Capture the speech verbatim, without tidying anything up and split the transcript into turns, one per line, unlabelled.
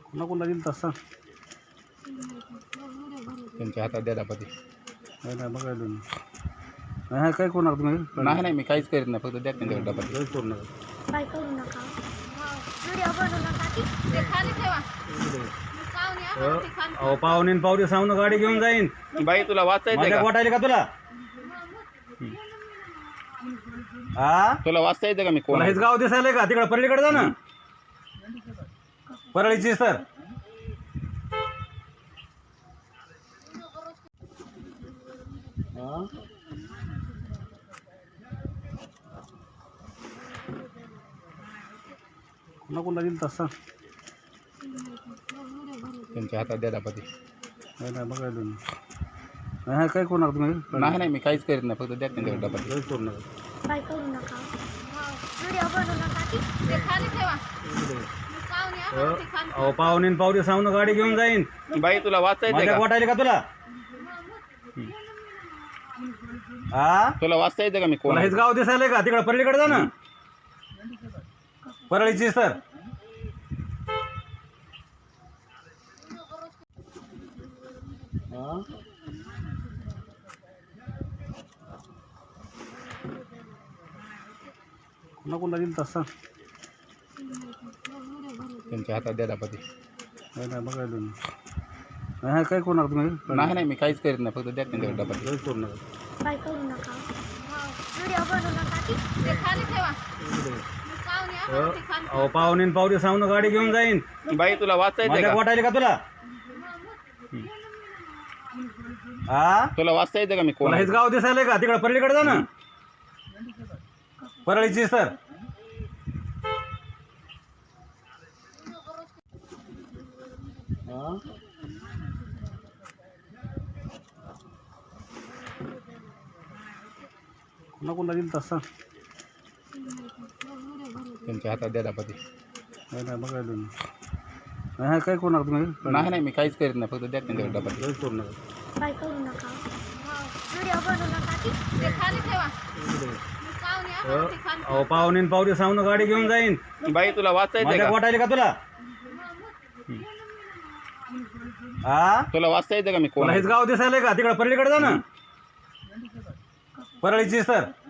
कोणा कोणा दिल तसा
त्यांच्या हातात द्या दापाती.
नाही नाही बघायला नाही हा काय कोणार तुम्ही
नाही नाही मी काहीच करीत नाही, फक्त द्या त्यांच्याकडे दापाती.
काहीच करू नका
काय करू नका. व्हिडिओ बनवू नका की ते खाली ठेवा. पाहुणे आम्हाला ते खाली
अहो पाहुणे न पावरे सांगून गाडी घेऊन जाईन.
बाई तुला वाचता येते
माझ्या
का?
वाटायला का तुला हा
तुला वाचता येते का? मी कोण
तुला
आहे?
हेच गाव दिसायलंय का? तिकडे परळीकडे जा ना, परळीची सर. कोणा कोणा दिल तसा
त्यांच्या हातात द्या दापाती.
नाही नाही बघायला नाही हा काय कोणार तुम्ही
नाही नाही मी काहीच करीत नाही, फक्त द्या त्यांच्याकडे दापाती.
काहीच करू नका.
काय करू नका. व्हिडिओ बनवू नका की ते खाली ठेवा. पाहुणे आम्हाला ते खाली
अहो पाहुणे न पावरे सांगून गाडी घेऊन जाईन.
बाई तुला वाचता येते
माझ्या
का?
वाटायला का तुला हा
तुला वाचता येते का? मी कोण
तुला
आहे?
हेच गाव दिसायलंय का? तिकडे परळीकडे जा ना, परळीची सर. कोणा कोणा दिल तसा
त्यांच्या हातात द्या दापाती.
नाही नाही बघायला नाही हा काय कोणार तुम्ही
नाही नाही मी काहीच करीत नाही, फक्त द्या त्यांच्याकडे दापाती.
काहीच करू नका.
काय करू नका. व्हिडिओ बनवू नका की ते खाली ठेवा. पाहुणे आम्हाला ते खाली
अहो पाहुणे न पावरे सांगून गाडी घेऊन जाईन.
बाई तुला वाचता येते
माझ्या
का?
वाटायला का तुला हा
तुला वाचता येते का? मी कोण
तुला
आहे?
हेच गाव दिसायलंय का? तिकडे परळीकडे जा ना, परळीची सर. कोणा कोणा दिल तसा
त्यांच्या हातात द्या दापाती.
नाही नाही बघायला नाही हा काय कोणार तुम्ही
नाही नाही मी काहीच करीत नाही, फक्त द्या त्यांच्याकडे दापाती.
काहीच करू नका.
काय करू नका. व्हिडिओ बनवू नका की ते खाली ठेवा. पाहुणे आम्हाला ते खाली
अहो पाहुणे न पावरे सांगून गाडी घेऊन जाईन.
बाई तुला वाचता येते
माझ्या
का?
वाटायला का तुला हा
तुला वाचता येते का? मी कोण
तुला
आहे?
हेच गाव दिसायलंय का? तिकडे परळीकडे जा ना, परळीची सर.